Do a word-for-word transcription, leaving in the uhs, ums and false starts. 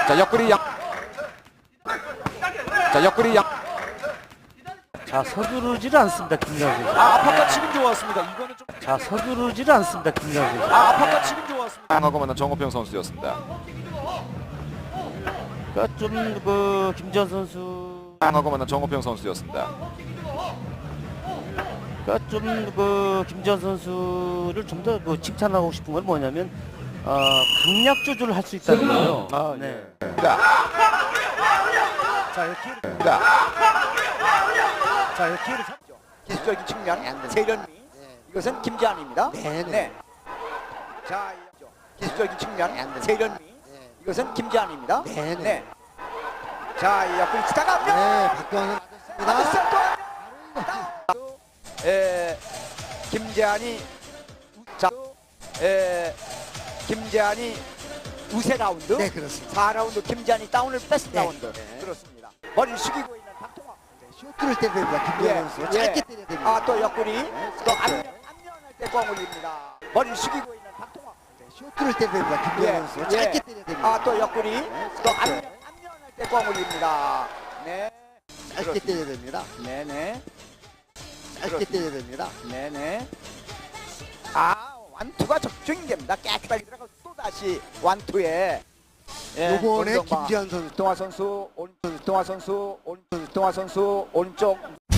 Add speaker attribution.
Speaker 1: 자, 옆구리 양. 자, 옆구리 양.
Speaker 2: 자, 서두르지를 않습니다, 김정수 선수.
Speaker 1: 아, 아파트 치긴 좋았습니다. 이거는 좀.
Speaker 2: 자, 서두르지를 않습니다, 김정수 선수.
Speaker 1: 아, 아파트 치긴 좋았습니다. 강하고 만난 정호평 선수였습니다.
Speaker 2: 그러니까 좀 그 김지현 선수,
Speaker 1: 강하고 만난 정호평 선수였습니다.
Speaker 2: 그러니까 좀 그 김지현 선수를 좀 더 그 칭찬하고 싶은 건 뭐냐면 어, 강약 조절을 할 수 있다는 거예요.
Speaker 1: 아,
Speaker 2: 네.
Speaker 1: 예. 자,
Speaker 2: 자, 이렇게
Speaker 1: 자,
Speaker 2: 자, 이렇게 잡죠.
Speaker 3: 기술적인 측면 세련미 이것은 김지한입니다. 네. 자, 기술적인 측면 세련미 이것은 김지한입니다. 네. 자, 이 옆구리 치다가
Speaker 4: 네, 박경환 맞았습니다.
Speaker 3: 에, 김재한이 자, 에, 김재한이 우세 라운드.
Speaker 4: 네, 그렇습니다.
Speaker 3: 사 라운드 김재한이 다운을 뺐스
Speaker 4: 네.
Speaker 3: 라운드.
Speaker 4: 네.
Speaker 3: 그렇습니다. 머리를 숙이고 있는 박동화.
Speaker 4: 쇼트를 때려야 됩니다. 김재환 선수. 짧게 때려야 됩니다.
Speaker 3: 아, 또 옆구리.
Speaker 4: 네,
Speaker 3: 또
Speaker 4: 짧게.
Speaker 3: 안면, 안면할 때 꽝 올립니다. 머리를 숙이고 있는 박동화.
Speaker 4: 쇼트를 때려야 됩니다. 김재환 선수. 짧게 때려야 됩니다.
Speaker 3: 아, 또 옆구리.
Speaker 4: 네,
Speaker 3: 또
Speaker 4: 짧게.
Speaker 3: 안면, 안면할 때 꽝 올립니다. 네.
Speaker 4: 짧게 때려야 됩니다.
Speaker 3: 네네.
Speaker 4: 짧게 때려야 됩니다.
Speaker 3: 네네. 아, 완투가 적중이 됩니다. 깨끗하게 들어가고 또 다시 완투에. 예,
Speaker 4: 요번에
Speaker 3: 원정방.
Speaker 4: 김지한 선수
Speaker 3: 동화 선수 오른쪽, 동화 선수 오른쪽, 동화 선수 오른쪽.